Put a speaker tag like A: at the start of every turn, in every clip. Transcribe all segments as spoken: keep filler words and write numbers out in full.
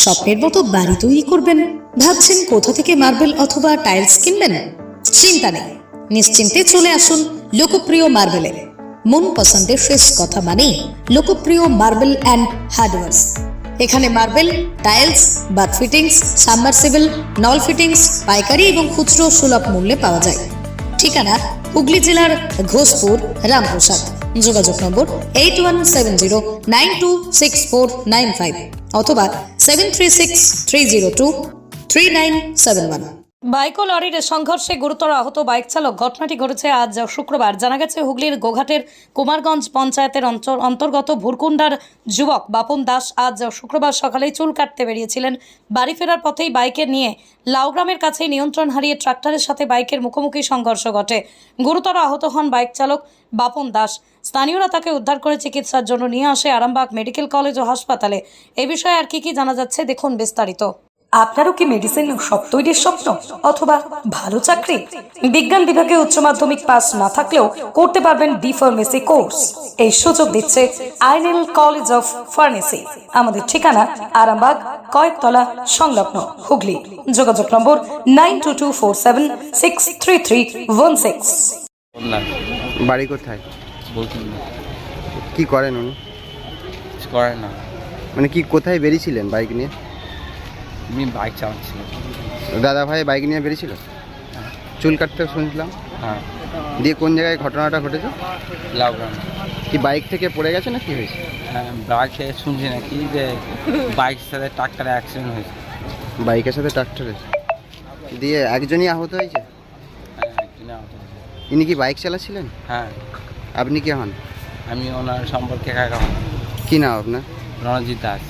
A: স্বপ্নের মতো বাড়ি তৈরি করবেন? ভাবছেন কোথা থেকে মার্বেল অথবা টাইলস কিনবেন? চিন্তা নেই, নিশ্চিন্তে চলে আসুন লোকপ্রিয় মার্বেলে। মন পছন্দের শেষ কথা মানে লোকপ্রিয় মার্বেল অ্যান্ড হার্ডওয়্যার্স। এখানে marble, tiles, bath fittings, submersible, নল ফিটিংস পাইকারি এবং খুচরো সুলভ মূল্যে পাওয়া যায়। ঠিকানা হুগলি জেলার ঘোষপুর, রামপ্রসাদ। যোগাযোগ number eight one seven zero nine two six four nine five অথবা seven three six three zero two three nine seven one. Bike ও লরির সংঘর্ষে গুরুতর আহত বাইক চালক। ঘটনাটি ঘটেছে আজ শুক্রবার। জানা গেছে হুগলির গোঘাটের কুমারগঞ্জ পঞ্চায়েতের অন্তর্গত ভুরকুন্ডার যুবক বাপন দাস আজ শুক্রবার সকালেই চুল কাটতে বেরিয়েছিলেন। বাড়ি ফেরার পথেই বাইকে নিয়ে লাউগ্রামের কাছেই নিয়ন্ত্রণ হারিয়ে ট্রাক্টরের সাথে বাইকের মুখোমুখি সংঘর্ষ ঘটে। গুরুতর আহত হন বাইক চালক বাপন দাস। স্থানীয়রা তাকে উদ্ধার করে চিকিৎসার জন্য নিয়ে আসে আরামবাগ মেডিকেল কলেজ ও হাসপাতালে। এ বিষয়ে আর কি কি জানা যাচ্ছে দেখুন বিস্তারিত। আপনারও কি মেডিসিন শপ তৈরির স্বপ্ন অথবা ভালো চাকরি? বিজ্ঞান বিভাগে উচ্চ মাধ্যমিক পাস না থাকলেও করতে পারবেন বি ফার্মেসি কোর্স। এই সুযোগ দিচ্ছে আইনেল কলেজ অফ ফার্মেসি। আমাদের ঠিকানা আরামবাগ কয়েকতলা সংলগ্ন, হুগলি। যোগাযোগ number nine two two four seven six three three one six.
B: বাড়ি কোথায়?
C: বলছেন না,
B: কি করেন উনি?
C: কিছু করেন না।
B: মানে কি কোথায় বেরিয়েছিলেন বাইক নিয়ে?
C: আমি বাইক চালাচ্ছিলাম।
B: দাদা ভাই বাইক নিয়ে বেরিয়েছিল? চুল কাটতে শুনছিলাম।
C: হ্যাঁ,
B: দিয়ে কোন জায়গায় ঘটনাটা ঘটেছে?
C: লাউগ্রাম।
B: কি বাইক থেকে পড়ে গেছে না কি হয়েছে?
C: হ্যাঁ, বাইক থেকে শুনছি না কি যে বাইকের সাথে ট্রাক্টরে অ্যাক্সিডেন্ট হয়েছে।
B: বাইকের সাথে ট্রাক্টরে দিয়ে একজনই আহত হয়েছে?
C: হ্যাঁ, একজনে আহত হয়েছে।
B: ইনি কি বাইক চালাচ্ছিলেন?
C: হ্যাঁ,
B: আপনি কি হন?
C: আমি ওনার সম্পর্কে কাকা হন।
B: কি নাম আপনার?
C: রণজিৎ দাস।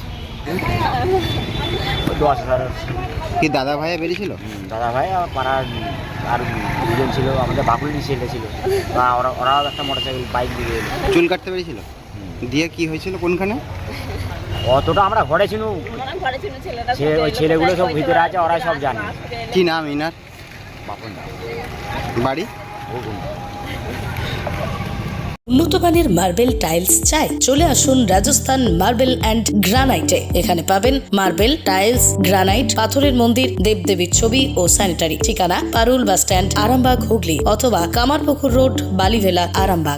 B: কি দাদা ভাইয়া বেরিয়েছিল?
D: দাদা ভাই আর পাড়ার আর দুজন ছিল, আমাদের বাকুলি ছেলে ছিল, বা ওরা ওরাও একটা মোটর সাইকেল বাইক দিয়ে এলো।
B: চুল কাটতে বেরিয়েছিল? দিয়ে কি হয়েছিল কোনখানে?
D: অতটা আমরা ঘরে ছিল, সে ওই ছেলেগুলো সব ভিতরে আছে, ওরাই সব জানে।
B: কি নাম ইনার?
D: বাপন দা।
B: বাড়ি?
A: উন্নত মানের মার্বেল টাইলস চাই? চলে আসুন রাজস্থান মার্বেল অ্যান্ড গ্রানাইটে। এখানে পাবেন মার্বেল, টাইলস, গ্রানাইট, পাথরের মন্দির, দেবদেবীর ছবি ও স্যানিটারি। ঠিকানা পারুল বাস স্ট্যান্ড, আরামবাগ, হুগলি অথবা কামারপুকুর রোড, বালিভেলা, আরামবাগ।